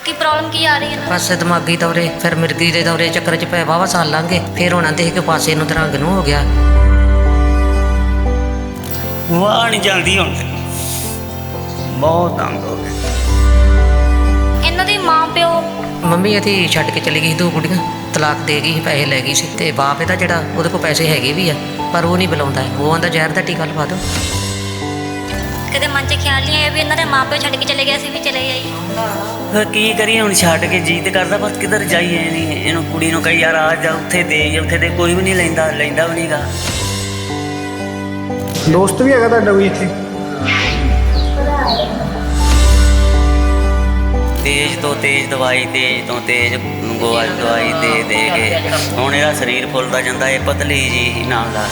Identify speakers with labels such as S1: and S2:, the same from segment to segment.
S1: ਕੀ problem ਕੀ ਆ ਰਹੀ ਹੈ?
S2: ਬਸ ਦਿਮਾਗੀ ਦੌਰੇ, ਫਿਰ ਮਿਰਗੀ ਦੇ ਦੌਰੇ ਚੱਕਰ 'ਚ ਪਏ ਵਾਹਵਾ ਸਾਲ ਲੰਘ ਗਏ। ਫਿਰ ਉਹਨਾਂ ਦੇਖ ਕੇ ਪਾਸੇ ਨੂੰ ਦਰੰਗ ਨੂੰ ਹੋ ਗਿਆ।
S3: ਵਾਹ ਨਹੀਂ ਚੱਲਦੀ ਹੁਣ, ਬਹੁਤ ਤੰਗ ਹੋ ਗਏ।
S1: ਇਹਨਾਂ ਦੇ ਮਾਂ ਪਿਓ
S2: ਮੰਮੀ ਇਹਦੀ ਛੱਡ ਕੇ ਚਲੀ ਗਈ ਸੀ 2 ਕੁੜੀਆਂ, ਤਲਾਕ ਦੇ ਗਈ ਸੀ, ਪੈਸੇ ਲੈ ਗਈ ਸੀ। ਤੇ ਬਾਪ ਇਹਦਾ ਜਿਹੜਾ, ਉਹਦੇ ਕੋਲ ਪੈਸੇ ਹੈਗੇ ਵੀ ਆ, ਪਰ ਉਹ ਨਹੀਂ ਬੁਲਾਉਂਦਾ। ਉਹ ਆਂਦਾ ਜ਼ਹਿਰ ਦਾ ਟੀਕਾ ਲਵਾ ਦਿਓ।
S1: ਕਦੇ ਮਨ 'ਚ ਖਿਆਲ ਨਹੀਂ ਆਇਆ ਵੀ ਇਹਨਾਂ ਦੇ ਮਾਂ ਪਿਓ ਛੱਡ ਕੇ ਚਲੇ ਗਏ, ਅਸੀਂ ਵੀ ਚਲੇ ਜਾਈਏ?
S3: ਫਿਰ ਕੀ ਕਰੀਏ ਹੁਣ, ਛੱਡ ਕੇ ਜੀ ਤੇ ਕਰਦਾ, ਬਸ ਕਿੱਧਰ ਜਾਈਏ। ਨਹੀਂ ਇਹਨੂੰ ਕੁੜੀ ਨੂੰ ਕਹੀ ਯਾਰ ਆ ਜਾ, ਉੱਥੇ ਦੇ, ਉੱਥੇ ਦੇ ਕੋਈ ਵੀ ਨਹੀਂ ਲੈਂਦਾ ਵੀ ਨਹੀਂਗਾ।
S4: ਦੋਸਤ ਵੀ ਹੈਗਾ ਤੁਹਾਡਾ ਕੋਈ ਇੱਥੇ?
S3: ਤੇਜ਼ ਤੋਂ ਤੇਜ਼ ਦਵਾਈ, ਤੇਜ਼ ਤੋਂ ਤੇਜ਼ ਗੋਆ ਦਵਾਈ ਦੇ ਕੇ ਹੁਣ ਇਹਦਾ ਸਰੀਰ ਫੁੱਲਦਾ ਜਾਂਦਾ। ਇਹ ਪਤਲੀ ਜੀ ਨਾਲ ਦਾ।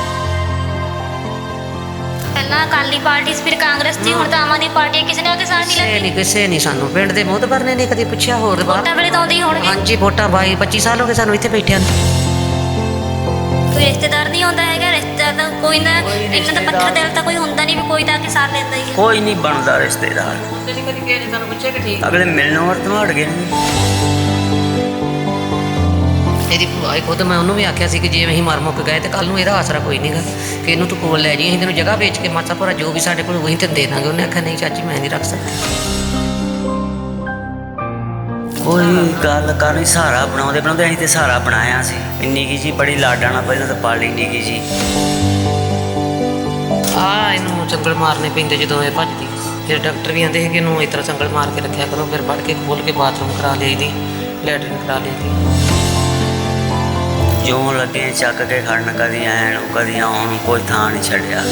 S1: ਪਹਿਲਾਂ ਅਕਾਲੀ ਪਾਰਟੀ ਸੀ, ਫਿਰ ਕਾਂਗਰਸ ਸੀ, ਹੁਣ ਤਾਂ ਆਮ ਆਦਮੀ ਪਾਰਟੀ। ਕਿਸੇ ਨੇ ਉਹਦੇ ਸਾਥ ਨਹੀਂ ਲੱਗੀ?
S2: ਕਿਸੇ ਨਹੀਂ ਸਾਨੂੰ ਪਿੰਡ ਦੇ ਮੋਹਤਬਰ ਨੇ ਨਹੀਂ ਕਦੀ ਪੁੱਛਿਆ। ਹੋਰ
S1: ਵੋਟਾਂ ਵੇਲੇ ਤਾਂ ਆਉਂਦੇ ਹੀ ਹੋਣਗੇ।
S2: ਹਾਂਜੀ, ਵੋਟਾਂ 22-25 ਸਾਲ ਹੋ ਗਏ ਸਾਨੂੰ ਇੱਥੇ ਬੈਠਿਆਂ ਨੂੰ।
S1: ਕੋਈ ਰਿਸ਼ਤੇਦਾਰ ਨਹੀਂ ਹੁੰਦਾ ਹੈਗਾ? ਰਿਸ਼ਤੇਦਾਰ ਤਾਂ ਕੋਈ ਨਾ, ਇਹਨਾਂ ਦਾ ਪੱਥਰ ਦਿਲ ਤਾਂ ਕੋਈ ਹੁੰਦਾ ਨਹੀਂ ਵੀ ਕੋਈ ਤਾਂ ਆ ਕੇ ਸਾਥ ਲੈਂਦਾ ਹੀ ਹੈ।
S3: ਕੋਈ ਨਹੀਂ ਬਣਦਾ ਰਿਸ਼ਤੇਦਾਰ।
S2: ਕਦੀ ਕਿਸੇ ਨੇ ਸਾਨੂੰ ਪੁੱਛਿਆ ਕਿ ਠੀਕ
S3: ਅਗਲੇ ਮਿਲਣੋਂ ਵਰਤੋਂ ਹਟ ਗਏ ਨੇ।
S2: ਇਹਦੀ ਭੂਆ ਹੀ ਖੁਦ, ਮੈਂ ਉਹਨੂੰ ਵੀ ਆਖਿਆ ਸੀ ਕਿ ਜੇ ਅਸੀਂ ਮਰ ਮੁੱਕ ਗਏ ਤੇ ਕੱਲ ਨੂੰ ਇਹਦਾ ਆਸਰਾ ਕੋਈ ਨਹੀਂਗਾ, ਕਿ ਇਹਨੂੰ ਤੂੰ ਕੋਲ ਲੈ ਜੀ, ਅਸੀਂ ਤੈਨੂੰ ਜਗ੍ਹਾ ਵੇਚ ਕੇ ਮਾਸਾ ਭੋਰਾ ਜੋ ਵੀ ਸਾਡੇ ਕੋਲ ਉਹੀ ਤੈਨੂੰ ਦੇ ਦਾਂਗੇ। ਉਹਨੇ ਆਖਿਆ ਨਹੀਂ ਚਾਚੀ, ਮੈਂ ਨਹੀਂ ਰੱਖ ਸਕਦੀ।
S3: ਕੋਈ ਗੱਲ ਕਰਨੀ, ਸਹਾਰਾ ਬਣਾਉਂਦੇ ਅਸੀਂ ਤੇ ਸਹਾਰਾ ਬਣਾਇਆ ਸੀ। ਇੰਨੀ ਕੀ ਜੀ ਬੜੀ ਲਾਡਾਂ ਨਾਲ ਪਹਿਲਾਂ ਤਾਂ ਪਾਲੀ ਨਿੱਕੀ ਜੀ।
S2: ਇਹਨੂੰ ਚੰਗਲ ਮਾਰਨੇ ਪੈਂਦੇ ਜਦੋਂ ਇਹ ਭੱਜਦੀ। ਫਿਰ ਡਾਕਟਰ ਵੀ ਆਂਦੇ ਸੀ ਕਿ ਇਹਨੂੰ ਇਸ ਤਰ੍ਹਾਂ ਚੰਗਲ ਮਾਰ ਕੇ ਰੱਖਿਆ ਕਰੋ। ਫਿਰ ਪੜ੍ਹ ਕੇ ਖੋਲ ਕੇ ਬਾਥਰੂਮ ਕਰਾ ਲਈਦੀ, ਲੈਟਰਿਨ ਕਰਾ ਲਈਦੀ।
S3: ਜਿਉਂ ਲੱਗੇ ਚੱਕ ਕੇ ਖੜਨ, ਕਦੀ ਐਨ ਕਦੀ ਆਉਣ ਨੂੰ, ਕੋਈ ਥਾਂ ਨਹੀਂ ਛੱਡਿਆ।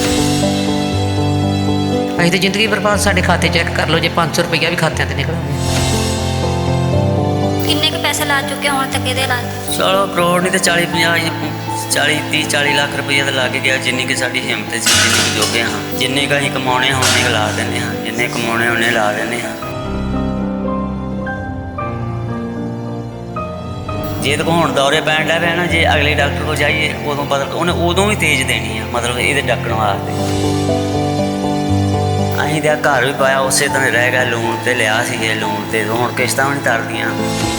S2: ਅਸੀਂ ਤਾਂ ਜ਼ਿੰਦਗੀ ਬਰਬਾਦ। ਸਾਡੇ ਖਾਤੇ ਚੈੱਕ ਕਰ ਲਓ, ਜੇ 500 ਰੁਪਈਆ ਵੀ ਖਾਤਿਆਂ ਤੇ ਨਿਕਲ ਆਵੇ।
S1: ਕਿੰਨੇ ਕੁ ਪੈਸੇ ਲਾ ਚੁੱਕੇ ਹੁਣ ਤੱਕ ਇਹਦੇ ਲਾ?
S3: ਚਲੋ ਕਰੋੜ ਨਹੀਂ ਤੇ 40 ਲੱਖ ਰੁਪਈਆ ਤਾਂ ਲੱਗ ਗਿਆ। ਜਿੰਨੀ ਕਿ ਸਾਡੀ ਹਿੰਮਤ ਸੀ, ਜਿੰਨੀ ਕੁ ਜੋਗੇ ਹਾਂ, ਜਿੰਨੇ ਕੁ ਅਸੀਂ ਕਮਾਉਣੇ ਹਾਂ ਉਨੇ ਕੁ ਲਾ ਦਿੰਦੇ ਹਾਂ, ਜਿੰਨੇ ਕਮਾਉਣੇ ਉਹਨੇ ਲਾ ਦਿੰਦੇ ਹਾਂ। ਜੇ ਤਾਂ ਹੁਣ ਦੌਰੇ ਪੈਣ ਲੱਗ ਪਿਆ ਨਾ, ਜੇ ਅਗਲੇ ਡਾਕਟਰ ਕੋਲ ਜਾਈਏ ਉਦੋਂ ਪਤਾ ਉਹਨੇ ਉਦੋਂ ਵੀ ਤੇਜ਼ ਦੇਣੀ ਆ, ਮਤਲਬ ਇਹਦੇ ਡੱਕਣ ਵਾਸਤੇ। ਅਸੀਂ ਤਾਂ ਘਰ ਵੀ ਪਾਇਆ, ਉਸੇ ਤਰ੍ਹਾਂ ਰਹਿ ਗਿਆ। ਲੋਨ ਤੇ ਲਿਆ ਸੀ, ਇਹ ਲੋਨ ਤੇ ਹੁਣ ਕਿਸ਼ਤਾਂ ਵੀ ਨਹੀਂ ਤਰਦੀਆਂ।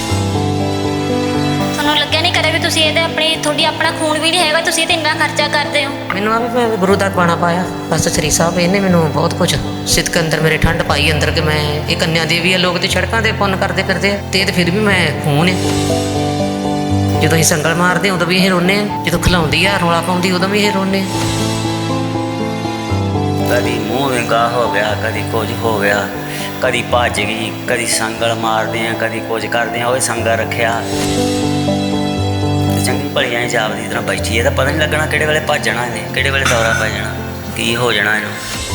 S1: ਤੁਹਾਨੂੰ ਲੱਗਿਆ ਨਹੀਂ ਕਦੇ ਵੀ ਤੁਸੀਂ ਇਹਦੇ ਤੁਹਾਡੀ ਆਪਣਾ ਖੂਨ ਵੀ ਨਹੀਂ ਹੈਗਾ, ਤੁਸੀਂ ਤੇ ਇੰਨਾ ਖਰਚਾ ਕਰਦੇ ਹੋ?
S2: ਮੈਨੂੰ ਆ ਵੀ ਮੈਂ ਗੁਰੂ ਦਾ ਬਾਣਾ ਪਾਇਆ ਬਸ। ਸ੍ਰੀ ਸਾਹਿਬ ਇਹਨੇ ਮੈਨੂੰ ਬਹੁਤ ਕੁਝ ਸਿੱਧਕ ਅੰਦਰ ਮੇਰੇ ਠੰਡ ਪਾਈ ਅੰਦਰ, ਕਿ ਮੈਂ ਇਹ ਕੰਨਿਆ ਦੇਵੀ ਆ। ਲੋਕ ਤੇ ਸੜਕਾਂ ਤੇ ਪੁੰਨ ਕਰਦੇ ਫਿਰਦੇ ਆ, ਤੇ ਫਿਰ ਵੀ ਮੈਂ ਖੂਨ ਆ। ਜਦੋਂ ਅਸੀਂ ਸੰਗਲ ਮਾਰਦੇ ਉਦੋਂ ਵੀ ਇਹ ਰੋਂਦੇ ਆ, ਜਦੋਂ ਖਿਲਾਉਂਦੀ ਆ ਰੌਲਾ ਪਾਉਂਦੀ ਉਦੋਂ ਵੀ ਇਹ ਰੋਂਦੇ ਆ।
S3: ਕਦੀ ਮੂੰਹ ਵਿੰਗਾ ਹੋ ਗਿਆ, ਕਦੀ ਕੁਝ ਹੋ ਗਿਆ, ਕਦੀ ਭੱਜ ਗਈ, ਕਦੀ ਸੰਗਲ ਮਾਰਦੇ ਆ, ਕਦੀ ਕੁਝ ਕਰਦੇ ਆ। ਉਹ ਸੰਗਲ ਰੱਖਿਆ ਚੰਗੀ ਭਲੀਆਂ ਜਾਪਦੀ ਤਰ੍ਹਾਂ ਬੈਠੀ। ਇਹਦਾ ਪਤਾ ਨਹੀਂ ਲੱਗਣਾ ਕਿਹੜੇ ਵੇਲੇ ਭੱਜਣਾ ਇਹਨੇ, ਕਿਹੜੇ ਵੇਲੇ ਦੌਰਾ ਪੈ ਜਾਣਾ, ਕੀ ਹੋ ਜਾਣਾ ਇਹਨੂੰ।